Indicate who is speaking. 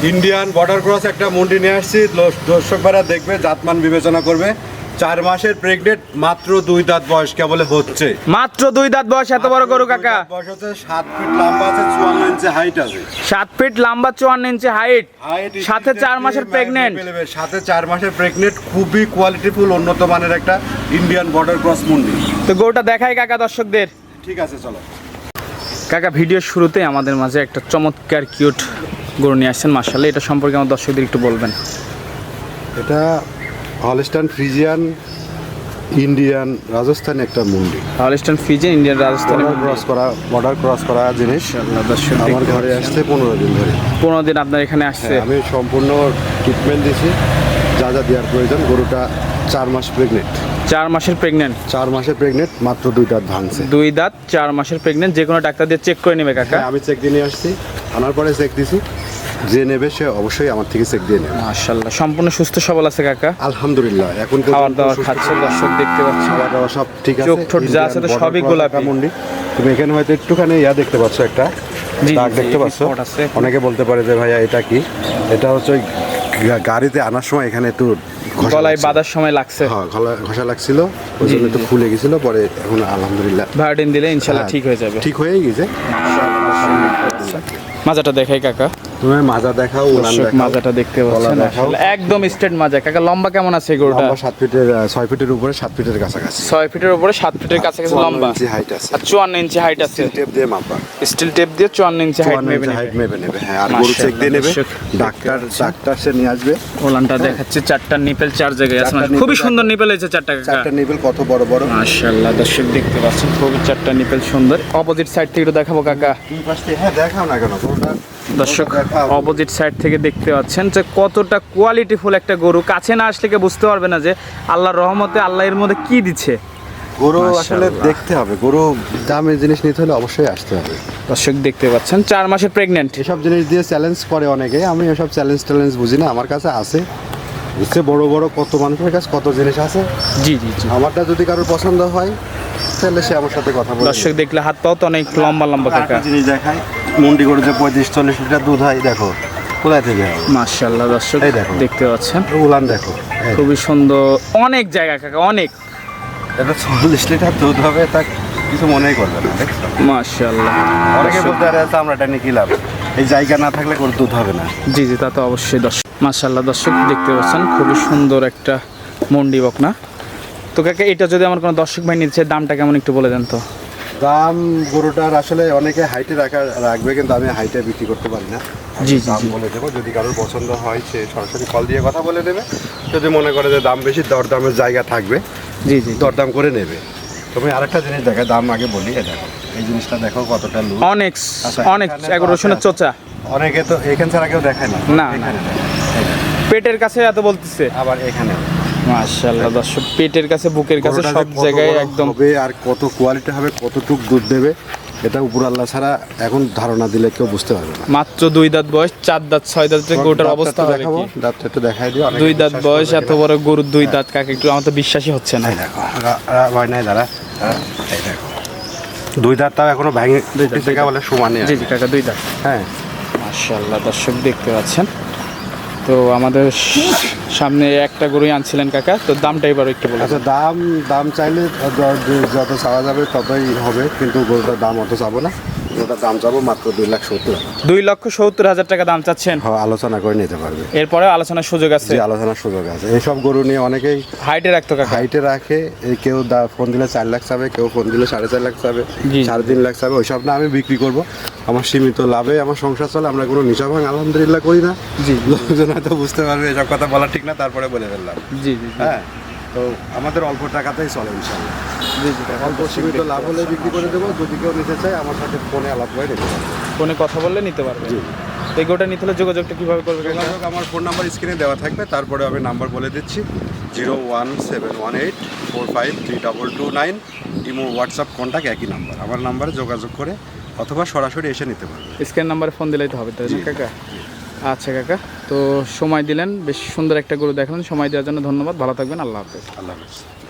Speaker 1: Indian border cross একটা মুন্ডি নিয়ে আসছি, দর্শকরা দেখবে, জাতমান বিবেচনা করবে। 4 মাসের প্রেগনেন্ট, মাত্র 2 দাঁত বয়স কেবল হচ্ছে।
Speaker 2: মাত্র 2 দাঁত বয়স, এত বড় গরু কাকা?
Speaker 1: বয়স হচ্ছে 7 ফিট লম্বা আছে, 54 ইঞ্চি হাইট আছে।
Speaker 2: 7 ফিট লম্বা, 54 ইঞ্চি হাইট, সাথে 4 মাসের প্রেগনেন্ট।
Speaker 1: সাথে 4 মাসের প্রেগনেন্ট, খুবই কোয়ালিটিফুল উন্নত মানের একটা ইন্ডিয়ান বর্ডার ক্রস মুন্ডি।
Speaker 2: তো গরুটা দেখাই কাকা দর্শকদের।
Speaker 1: ঠিক আছে, চলো
Speaker 2: কাকা। ভিডিওর শুরুতে আমাদের মাঝে একটা চমৎকার কিউট গরু নিয়ে আসছেন, মাশাআল্লাহ। এটা সম্পর্কে আমার দর্শকদের একটু বলবেন।
Speaker 1: এটা হলস্টাইন ফ্রিজিয়ান ইন্ডিয়ান রাজস্থানি একটা মুন্ডি।
Speaker 2: Holstein Friesian Indian Rajasthani
Speaker 1: border cross করা জিনিস।
Speaker 2: দর্শক
Speaker 1: আমার ঘরে আসছে 15 দিন ধরে।
Speaker 2: 15 দিন আপনার এখানে আসছে?
Speaker 1: আমি সম্পূর্ণ ট্রিটমেন্ট দিয়েছি, যা যা দেওয়ার প্রয়োজন। গরুটা 4 মাস প্রেগনেন্ট।
Speaker 2: 4 মাসের প্রেগনেন্ট?
Speaker 1: 4 মাসের প্রেগনেন্ট, মাত্র 2 দাঁত ভাঙছে।
Speaker 2: 2 দাঁত, 4 মাসের প্রেগনেন্ট। যে কোনো ডাক্তার দিয়ে চেক করে নেবে কাকা?
Speaker 1: আমি চেক দিয়ে নিয়ে আসছি, আনার পরে চেক দিছি। যে নেবে সে অবশ্যই আমার থেকে চেক দিয়ে নেবে।
Speaker 2: মাশাআল্লাহ, সম্পূর্ণ সুস্থ সবল আছে কাকা?
Speaker 1: আলহামদুলিল্লাহ। এখন
Speaker 2: খাবার দাবার খাচ্ছে, দর্শক দেখতে পাচ্ছি।
Speaker 1: খাবার দাবার সব ঠিক আছে।
Speaker 2: চোখ ঠোঁট যা আছে তো সবই গোলাপি
Speaker 1: মুন্ডি। তুমি এখানে হয়তো একটুখানি দেখতে পাচ্ছ, একটা দাগ দেখতে পাচ্ছ। অনেকে বলতে পারে যে ভাইয়া এটা কি? এটা হচ্ছে ওই গাড়িতে আনার সময় এখানে একটু
Speaker 2: গলায় বাঁধার সময় লাগছে।
Speaker 1: হ্যাঁ, গলায় ঘষা লাগছিল, ওই জন্য একটু ফুলে গেছিল। পরে এখন আলহামদুলিল্লাহ
Speaker 2: ভায়োডিন দিলে ইনশাআল্লাহ ঠিক হয়ে যাবে।
Speaker 1: ঠিক হয়ে গেছে।
Speaker 2: মাজাটা দেখাই কাকা।
Speaker 1: তুমি মাজা দেখাও, উলান দেখাও।
Speaker 2: মাজাটা দেখতে পাচ্ছেন, একদম স্ট্রেট মাজা। কাকা লম্বা কেমন আছে গরুটা?
Speaker 1: 7 ফিটের 6 ফিটের উপরে, 7 ফিটের কাছাকাছি।
Speaker 2: 6 ফিটের উপরে 7 ফিটের কাছাকাছি লম্বা।
Speaker 1: 54 ইঞ্চি হাইট আছে।
Speaker 2: আর 54 ইঞ্চি হাইট আছে।
Speaker 1: টেপ দিয়ে মাপা।
Speaker 2: স্টিল টেপ দিয়ে 54 ইঞ্চি হাইট মেপে নেবে।
Speaker 1: হ্যাঁ, আর গরু চেক দিয়ে নেবে। ডাক্তার সে নিয়ে আসবে।
Speaker 2: ওলানটা দেখাচ্ছে, 4টা নিপেল 4 জায়গায় আছে। খুবই সুন্দর নিপেল হয়েছে 4টা কাকা।
Speaker 1: 4টা নিপেল কত বড় বড়,
Speaker 2: মাশাআল্লাহ। দর্শক দেখতে পাচ্ছেন, খুবই 4টা নিপেল সুন্দর। অপোজিট সাইড থেকে একটু দেখাবো কাকা।
Speaker 1: দুই পাশ থেকে। হ্যাঁ, দেখাও না কেন গরুটা।
Speaker 2: দর্শক অপোজিট সাইড থেকে দেখতে পাচ্ছেন যে কতটা কোয়ালিটিফুল একটা গরু। কাছে না আসলে বুঝতে পারবে না যে আল্লাহর রহমতে আল্লাহ এর মধ্যে কি দিচ্ছে।
Speaker 1: গরু আসলে দেখতে হবে, গরু দামের জিনিস নিতে হলে অবশ্যই আসতে হবে।
Speaker 2: দর্শক দেখতে পাচ্ছেন 4 মাসের প্রেগনেন্ট।
Speaker 1: এসব জিনিস দিয়ে চ্যালেঞ্জ করে অনেকে, আমি এসব চ্যালেঞ্জ বুঝি না। আমার কাছে আছে, বুঝছে, বড় বড় কত মানুষের কাছে কত জিনিস আছে।
Speaker 2: জি।
Speaker 1: আমারটা যদি কারোর পছন্দ হয় তাহলে সে আমার সাথে কথা বলে।
Speaker 2: দর্শক দেখলে হাত পাও তো অনেক লম্বা কাকা।
Speaker 1: জিনিস দেখাই, মুন্ডি গরু যে 35-40 লিটার দুধ হয়, দেখো কোথায় থেকে হয়।
Speaker 2: মাশাআল্লাহ। দর্শক দেখতে পাচ্ছেন,
Speaker 1: উলান দেখো,
Speaker 2: খুবই সুন্দর। অনেক জায়গা কাকা, অনেক।
Speaker 1: এটা 40 লিটার দুধ হবে, তা কিছু মনেই করবে না। দেখছো,
Speaker 2: মাশাআল্লাহ।
Speaker 1: অনেকে বলতে পারে আমরা এটা নিয়ে কি লাভ, এই জায়গা না থাকলে গরুর দুধ হবে না।
Speaker 2: জি, তা তো অবশ্যই। দর্শক মাশাআল্লাহ, দর্শক দেখতে পাচ্ছেন খুবই সুন্দর একটা মন্ডি বকনা। তো কাকা, এটা যদি আমার কোনো দর্শক ভাই নিচ্ছে, দামটা কেমন একটু বলে দেন তো।
Speaker 1: দাম গরুটার আসলে অনেকে হাইটে রাখবে, কিন্তু আমি হাইটে বিক্রি করতে পারি না।
Speaker 2: জি
Speaker 1: বলে দেবো, যদি কারোর পছন্দ হয় সে সরাসরি কল দিয়ে কথা বলে নেবে। যদি মনে করে যে দাম বেশি, দরদামের জায়গা থাকবে,
Speaker 2: জি,
Speaker 1: দরদাম করে নেবে। তুমি আরেকটা জিনিস দেখো, দাম আগে বলি। দেখো এই জিনিসটা, দেখো কতটা লুজ।
Speaker 2: অনেক রসুনের চোচা।
Speaker 1: অনেকে তো এখান ছাড়া কেউ দেখায় না।
Speaker 2: পেটের কাছে এত বলতেছে,
Speaker 1: আবার এখানে।
Speaker 2: মাশাআল্লাহ। দর্শক পেটের কাছে, বুকের কাছে, সব জায়গায় একদম
Speaker 1: হবে। আর কত কোয়ালিটি হবে, কতটুক দুধ দেবে, এটা উপর আল্লাহ ছাড়া এখন ধারণা দিলে কেউ বুঝতে পারবে না।
Speaker 2: মাত্র 2 দাঁত বয়স, 4 দাঁত 6 দাঁতের গরুটার অবস্থা হবে কি?
Speaker 1: দাঁতটা একটু দেখাই দিও।
Speaker 2: 2 দাঁত বয়স, এত বড় গরুর 2 দাঁত কাকা, একটু আমার তো বিশ্বাসই হচ্ছে না।
Speaker 1: দেখো ভয় নাই দাঁড়া, এই দেখো 2 দাঁত, তাও এখনো ভেঙে থেকে বলে সমানে।
Speaker 2: জি কাকা, 2 দাঁত।
Speaker 1: হ্যাঁ,
Speaker 2: মাশাআল্লাহ। দর্শক দেখতে পাচ্ছেন, তো আমাদের সামনে একটা গরুই আনছিলেন কাকা, তো দামটা এবার একটু বলুন।
Speaker 1: আচ্ছা, দাম চাইলে যত চাওয়া যাবে ততই হবে, কিন্তু গরুটার দাম অত চাবো না। গরুটার দাম চাবো মাত্র 2,70,000।
Speaker 2: 2,70,000 টাকা দাম চাচ্ছেন?
Speaker 1: হ্যাঁ, আলোচনা করে নিতে পারবে।
Speaker 2: এরপরে আলোচনার সুযোগ আছে?
Speaker 1: আলোচনার সুযোগ আছে। এইসব গরু নিয়ে অনেকেই
Speaker 2: হাইটে রাখতো কাকা।
Speaker 1: হাইটে রাখে, কেউ ফোন দিলে 4 লাখ চাবে, কেউ ফোন দিলে 4.5 লাখ চাবে, 3.5 লাখ চাবে। ওইসব না আমি বিক্রি করব, আমার সীমিত লাভে আমার সংসার চলে। আমরা কোনো নিশা ভাঙ আলহামদুলিল্লাহ করি না।
Speaker 2: জি,
Speaker 1: লোকজন হয়তো বুঝতে পারবে এসব কথা বলা ঠিক না, তারপরে বলে ফেললাম।
Speaker 2: জি।
Speaker 1: হ্যাঁ, তো আমাদের অল্প টাকাতেই চলে ইনশাআল্লাহ। অল্প সীমিত লাভ হলে বিক্রি করে দেবো। যদি কেউ নিতে চায় আমার সাথে ফোনে আলাপ করে নিতে পারবে,
Speaker 2: ফোনে কথা বললে নিতে পারবে।
Speaker 1: জি।
Speaker 2: এই গোটা নিতে হলে যোগাযোগটা কীভাবে করবে?
Speaker 1: যোগাযোগ আমার ফোন নাম্বার স্ক্রিনে দেওয়া থাকবে, তারপরে আমি নাম্বার বলে দিচ্ছি 01718453229। ইমো, হোয়াটসঅ্যাপ, কন্ট্যাক্ট একই নাম্বার। আমার নাম্বারে যোগাযোগ করে অথবা সরাসরি এসে নিতে পারবে।
Speaker 2: স্ক্রিন নাম্বারে ফোন দিলেই তো হবে, তাই না কাকা? আচ্ছা কাকা, তো সময় দিলেন, বেশ সুন্দর একটা গরু দেখালেন। সময় দেওয়ার জন্য ধন্যবাদ। ভালো থাকবেন, আল্লাহ হাফেজ।
Speaker 1: আল্লাহ হাফেজ।